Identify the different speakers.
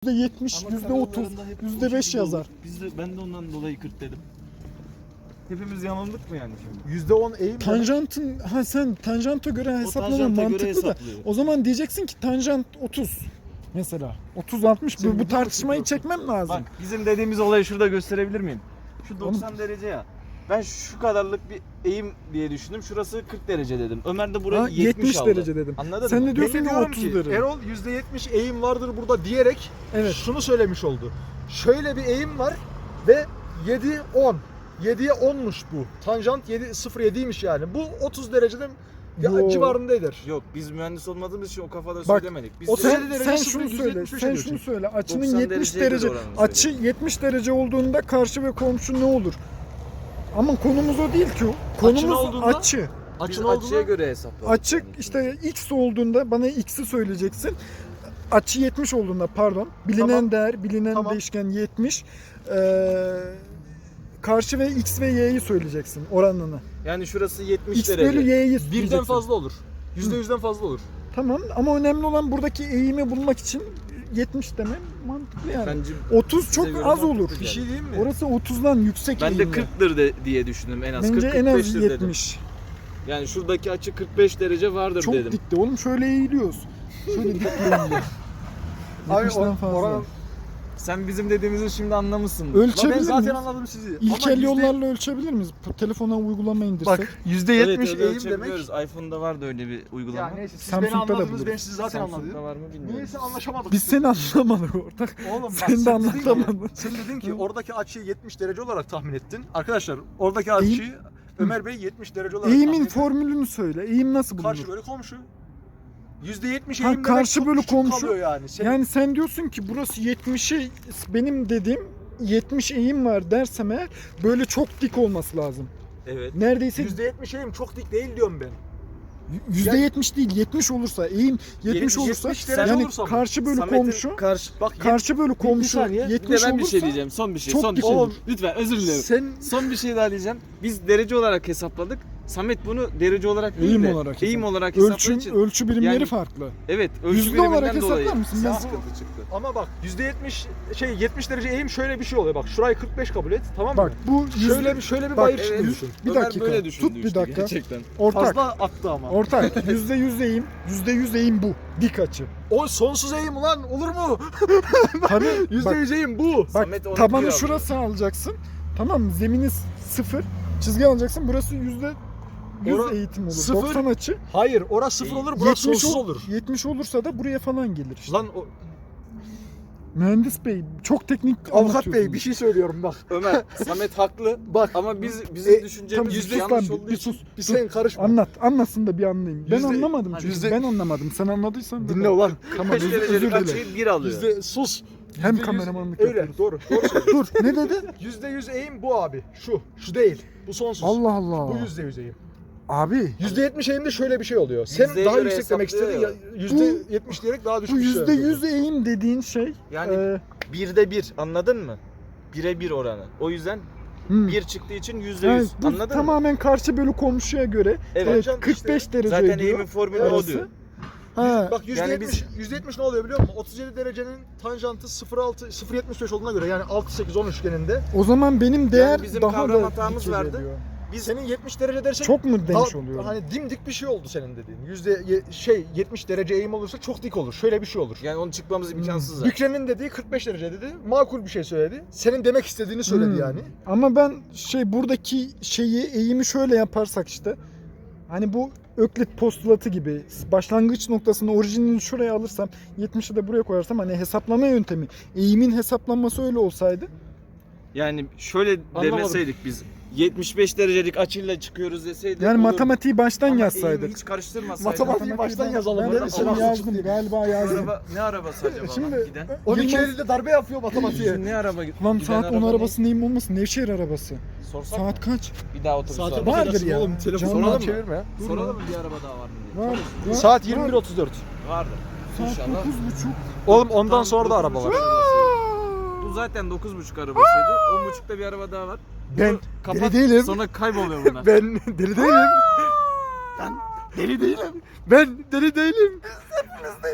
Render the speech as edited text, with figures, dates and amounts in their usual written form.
Speaker 1: %70,
Speaker 2: Ama
Speaker 1: %30,
Speaker 2: kameralarında hep o
Speaker 1: %5
Speaker 2: şekilde
Speaker 1: yazar.
Speaker 2: olur. Ben de ondan dolayı 40 dedim. Hepimiz yanıldık mı yani şimdi?
Speaker 3: %10 eğim.
Speaker 1: Tanjantın, sen tanjanta göre hesaplaman
Speaker 2: tanjanta göre
Speaker 1: mantıklı da
Speaker 2: hesaplıyor.
Speaker 1: o zaman diyeceksin ki tanjant 30 mesela. 30-60
Speaker 3: Şimdi
Speaker 1: bu tartışmayı
Speaker 3: biliyorsun.
Speaker 1: çekmem lazım.
Speaker 2: Bak bizim dediğimiz olayı şurada gösterebilir miyim? Şu 90 derece ya. Ben şu kadarlık bir eğim diye düşündüm. Şurası 40 derece dedim. Ömer de burayı
Speaker 1: Ha,
Speaker 2: 70 aldı.
Speaker 1: derece dedim.
Speaker 2: Anladın
Speaker 1: Sen
Speaker 2: mı?
Speaker 1: de diyorsun
Speaker 3: Ben de
Speaker 1: ki
Speaker 3: diyorum
Speaker 1: 30
Speaker 3: ki
Speaker 1: derece.
Speaker 3: Erol %70 eğim vardır burada diyerek
Speaker 1: Evet.
Speaker 3: şunu söylemiş oldu. Şöyle bir eğim var ve 7-10. 7'ye 10'muş bu. Tanjant 0.7'ymiş yani. Bu 30 dereceden
Speaker 1: Yo.
Speaker 3: civarında eder.
Speaker 2: Yok biz mühendis olmadığımız için o kafada
Speaker 1: Bak,
Speaker 2: söylemedik. Biz
Speaker 3: o
Speaker 2: de-
Speaker 3: sen-
Speaker 1: Sen,
Speaker 3: derece
Speaker 1: sen
Speaker 3: sıfır,
Speaker 1: şunu
Speaker 3: yüzde
Speaker 1: söyle.
Speaker 3: yetmiş
Speaker 1: Sen
Speaker 3: ediyorsun.
Speaker 1: şunu söyle. Açının
Speaker 2: 90
Speaker 1: 70
Speaker 2: dereceye
Speaker 1: derece.
Speaker 2: göre oranını
Speaker 1: Açı
Speaker 2: söyle.
Speaker 1: 70 derece olduğunda karşı ve komşu ne olur? Ama konumuz o değil ki. Konumuz
Speaker 3: olduğunda-
Speaker 1: açı.
Speaker 2: biz
Speaker 3: Açın
Speaker 2: açıya
Speaker 3: olduğunda
Speaker 2: göre hesapladık.
Speaker 1: Açık
Speaker 2: yani.
Speaker 1: işte x olduğunda bana x'i söyleyeceksin. Açı 70 olduğunda pardon. Bilinen
Speaker 3: Tamam.
Speaker 1: değer, bilinen
Speaker 3: Tamam.
Speaker 1: değişken 70. Karşı ve x ve y'yi söyleyeceksin oranını.
Speaker 2: Yani şurası 70
Speaker 1: X
Speaker 2: derece.
Speaker 1: bölü y'yi
Speaker 3: birden
Speaker 1: diyeceksin.
Speaker 3: fazla olur. %100'den fazla olur.
Speaker 1: Tamam ama önemli olan buradaki eğimi bulmak için 70 demem mantıklı yani.
Speaker 2: Bence
Speaker 1: 30 çok
Speaker 2: göre
Speaker 1: az
Speaker 2: mantıklı
Speaker 1: olur.
Speaker 2: yani.
Speaker 3: Bir şey diyeyim mi?
Speaker 1: Orası 30'dan yüksek
Speaker 2: ben de
Speaker 1: eğimli.
Speaker 2: 40'dır diye düşündüm en az.
Speaker 1: Bence
Speaker 2: 40
Speaker 1: en az
Speaker 2: 45'tir dedim.
Speaker 1: 70.
Speaker 2: Yani şuradaki açı 45 derece vardır
Speaker 1: Çok
Speaker 2: dedim.
Speaker 1: dikti oğlum, şöyle eğiliyoruz. Şöyle dik eğiliyor.
Speaker 3: Abi
Speaker 1: 70'den fazla.
Speaker 3: oranın-
Speaker 2: Sen bizim dediğimizi şimdi anlamışsın.
Speaker 3: ben
Speaker 1: Ölçebilir
Speaker 3: zaten
Speaker 1: miyiz?
Speaker 3: anladım sizi.
Speaker 1: İlkel
Speaker 3: Ama
Speaker 1: yollarla ölçebilir miyiz? Telefona uygulama indirsek.
Speaker 3: Bak %70
Speaker 2: öyle
Speaker 3: eğim demek.
Speaker 2: ölçebiliyoruz. iPhone'da var da öyle bir uygulama.
Speaker 3: Ya neyse siz
Speaker 1: Samsung'da
Speaker 3: beni
Speaker 1: da
Speaker 3: anladınız,
Speaker 1: buluruz.
Speaker 3: ben sizi zaten
Speaker 2: Samsung'da
Speaker 3: anladım.
Speaker 2: var mı bilmiyorum.
Speaker 3: Niyeyse anlaşamadık.
Speaker 1: Biz seni anlamadık ortak.
Speaker 3: Oğlum bak,
Speaker 1: Sen de
Speaker 3: dedin ki-
Speaker 1: anlatamadın.
Speaker 3: Sen dedin ki oradaki açıyı 70 derece olarak tahmin ettin. Arkadaşlar oradaki açıyı Ömer Bey 70 derece olarak tahmin
Speaker 1: Eğimin
Speaker 3: etti.
Speaker 1: formülünü söyle. Eğim nasıl bulunur?
Speaker 3: Karşı bölü komşu. %70
Speaker 1: Ha,
Speaker 3: eğim demek
Speaker 1: karşı
Speaker 3: çok
Speaker 1: bölü
Speaker 3: küçük
Speaker 1: komşu.
Speaker 3: kalıyor yani. Senin
Speaker 1: Yani sen diyorsun ki burası 70'i benim dediğim 70 eğim var dersem eğer böyle çok dik olması lazım.
Speaker 2: Evet.
Speaker 1: Neredeyse
Speaker 3: %70 eğim çok dik değil diyorum ben.
Speaker 1: %70 değil 70 olursa eğim 70 olursa
Speaker 3: 70 derece
Speaker 1: yani
Speaker 3: olursa mı?
Speaker 1: karşı bölü
Speaker 2: Samet'in
Speaker 1: komşu
Speaker 3: Bak
Speaker 1: karşı bölü komşu
Speaker 2: saniye. Bir de
Speaker 1: 70
Speaker 2: ben bir
Speaker 1: olursa
Speaker 2: şey diyeceğim. Son bir şey.
Speaker 1: çok
Speaker 2: Son bir
Speaker 1: dik
Speaker 2: şey.
Speaker 1: olur.
Speaker 2: Lütfen özür dilerim.
Speaker 3: sen
Speaker 2: Son bir şey daha diyeceğim. Biz derece olarak hesapladık. Samet bunu derece olarak değil
Speaker 1: Eğim
Speaker 2: de
Speaker 1: olarak
Speaker 2: eğim
Speaker 1: hesap-
Speaker 2: olarak hesapladığı için.
Speaker 1: ölçü birimleri
Speaker 2: Yani-
Speaker 1: farklı.
Speaker 2: Evet. Ölçü
Speaker 1: Yüzde
Speaker 2: biriminden
Speaker 1: olarak hesaplar
Speaker 2: dolayı
Speaker 1: mısın? Ben-
Speaker 2: sıkıntı çıktı.
Speaker 3: ama bak %70 70 derece eğim şöyle bir şey oluyor. Bak şurayı 45 kabul et, tamam mı?
Speaker 1: Bak bu
Speaker 3: şöyle bir
Speaker 1: Bak,
Speaker 3: bayır
Speaker 2: evet.
Speaker 3: çıktı düşün.
Speaker 1: bir
Speaker 2: Ömer
Speaker 1: dakika.
Speaker 2: böyle düşündü
Speaker 1: Tut bir
Speaker 2: işte
Speaker 1: dakika.
Speaker 2: gerçekten.
Speaker 1: ortak.
Speaker 3: Fazla attı ama.
Speaker 1: Ortak. %100 eğim. %100 eğim bu. Dik açı.
Speaker 3: O sonsuz eğim ulan olur mu?
Speaker 1: Tabii bak,
Speaker 3: %100 eğim bu.
Speaker 1: bak
Speaker 2: Samet onu
Speaker 1: tabanı
Speaker 2: diyor.
Speaker 1: şurası alacaksın. Tamam mı? Zemini 0. Çizgi alacaksın. Burası %100 eğitim olur.
Speaker 3: sıfır.
Speaker 1: 90 açı.
Speaker 3: Hayır, orası 0 olur, burası
Speaker 1: 70
Speaker 3: sonsuz olur.
Speaker 1: 70 olursa da buraya falan gelir işte.
Speaker 3: Lan
Speaker 1: Mühendis bey çok teknik
Speaker 3: avukat bey
Speaker 1: anlatıyorsunuz.
Speaker 3: bir şey söylüyorum bak.
Speaker 2: Ömer, Samet haklı
Speaker 3: Bak.
Speaker 2: ama bizim düşüncemiz
Speaker 1: Tamam,
Speaker 3: yüzde
Speaker 2: yanlış
Speaker 1: yüzden
Speaker 2: olduğu
Speaker 1: bir
Speaker 2: için
Speaker 1: sus.
Speaker 3: Bir sen karışma.
Speaker 1: Anlatsın da bir anlayayım. Ben
Speaker 3: Yüzde-
Speaker 1: anlamadım çünkü.
Speaker 3: yüzde-
Speaker 1: Ben anlamadım. Sen anladıysan da
Speaker 3: Dinle ulan.
Speaker 1: Tamam
Speaker 2: 45
Speaker 1: özür
Speaker 2: derecelik
Speaker 1: dilerim.
Speaker 2: açıyı 1 alıyor.
Speaker 3: Sus.
Speaker 1: Hem
Speaker 3: %100
Speaker 1: kameramanlık
Speaker 3: Öyle
Speaker 1: yapıyoruz.
Speaker 3: doğru. Doğru söylüyorsun.
Speaker 1: Dur ne dedi?
Speaker 3: %100 eğim bu abi. Şu değil. Bu sonsuz.
Speaker 1: Allah Allah.
Speaker 3: Bu %100 eğim.
Speaker 1: Abi
Speaker 3: %70 eğimde şöyle bir şey oluyor. Sen
Speaker 2: Yüzdeye
Speaker 3: daha
Speaker 2: göre
Speaker 3: yüksek demek istedin ya.
Speaker 2: hesaplıyor
Speaker 3: %70 diyerek daha
Speaker 1: bu
Speaker 3: düşük bir şey
Speaker 1: %100 eğim dediğin şey
Speaker 2: Yani
Speaker 1: e,
Speaker 2: 1'de 1 anladın mı? 1'e 1 oranı. O yüzden
Speaker 1: hmm.
Speaker 2: 1 çıktığı için %100
Speaker 1: Yani bu
Speaker 2: anladın mı?
Speaker 1: tamamen karşı bölü komşuya göre
Speaker 2: Evet.
Speaker 1: 45 derece
Speaker 2: Zaten
Speaker 1: ediyor.
Speaker 2: eğimin formülü o
Speaker 1: arası.
Speaker 2: diyor.
Speaker 1: Ha,
Speaker 3: Bak %70,
Speaker 2: Yani biz-
Speaker 3: %70 ne oluyor biliyor musun? 37 derecenin tanjantı 0.75 olduğuna göre yani 6-8-10 üçgeninde.
Speaker 1: o zaman benim değer
Speaker 2: bizim
Speaker 1: daha
Speaker 2: kavram
Speaker 1: da
Speaker 2: hatamız
Speaker 1: dik
Speaker 2: vardı.
Speaker 1: geliyor.
Speaker 2: Biz
Speaker 3: Senin 70 derece dersek
Speaker 1: Çok mu demiş
Speaker 3: daha-
Speaker 1: oluyor?
Speaker 3: Hani dimdik bir şey oldu senin dediğin. Şey 70 derece eğim olursa çok dik olur. Şöyle bir şey olur.
Speaker 2: yani onu çıkmamız imkansız zaten.
Speaker 3: Bükre'nin dediği 45 derece dedi. Makul bir şey söyledi. Senin demek istediğini söyledi
Speaker 1: Hmm.
Speaker 3: yani.
Speaker 1: Ama ben buradaki eğimi şöyle yaparsak işte hani bu Öklit postulatı gibi başlangıç noktasını orijinini şuraya alırsam 70'i de buraya koyarsam hani hesaplama yöntemi eğimin hesaplanması öyle olsaydı
Speaker 2: Yani şöyle
Speaker 3: Anlamadım.
Speaker 2: demeseydik biz 75 derecelik açıyla çıkıyoruz deseydik
Speaker 1: yani
Speaker 2: olurdu.
Speaker 1: matematiği baştan
Speaker 2: Ama
Speaker 1: yazsaydık.
Speaker 2: eğimi hiç karıştırmasaydık.
Speaker 3: Matematiği baştan yazalım.
Speaker 1: Ben
Speaker 3: Öyle
Speaker 1: de
Speaker 3: mi?
Speaker 1: şimdi yazdım galiba yazdım.
Speaker 2: Araba, ne arabası acaba
Speaker 1: Şimdi-
Speaker 2: lan giden?
Speaker 3: 12
Speaker 1: Yılmaz-
Speaker 3: Eylül'de darbe yapıyor matematiğe.
Speaker 2: Ne araba?
Speaker 1: Lan
Speaker 2: giden
Speaker 1: saat 10
Speaker 2: araba ne?
Speaker 1: arabası neyim olmasın? Nevşehir arabası.
Speaker 2: Sorsak
Speaker 1: Saat
Speaker 2: mı?
Speaker 1: kaç?
Speaker 2: Bir daha otobüs
Speaker 3: Saate
Speaker 2: var. mı?
Speaker 1: Vardır
Speaker 3: bakacaksın
Speaker 1: ya.
Speaker 3: oğlum. Telefonu
Speaker 1: Canım.
Speaker 3: falan çevirme ya.
Speaker 2: Soralım mı bir araba daha var mı diye.
Speaker 1: Var.
Speaker 3: Saat
Speaker 1: var.
Speaker 3: 21.34.
Speaker 2: Vardır.
Speaker 1: Saat
Speaker 2: İnşallah.
Speaker 1: 9.30.
Speaker 3: Oğlum ondan
Speaker 2: Tam
Speaker 3: sonra da araba
Speaker 2: 9.30
Speaker 3: var.
Speaker 2: arabası. Bu zaten 9.30 arabasıydı. 10.30'da bir araba daha var.
Speaker 1: Ben
Speaker 2: Bunu kapat,
Speaker 1: deli değilim.
Speaker 2: Sonra kayboluyor bunlar.
Speaker 3: Ben deli değilim. Ben deli değilim. Ben deli değilim.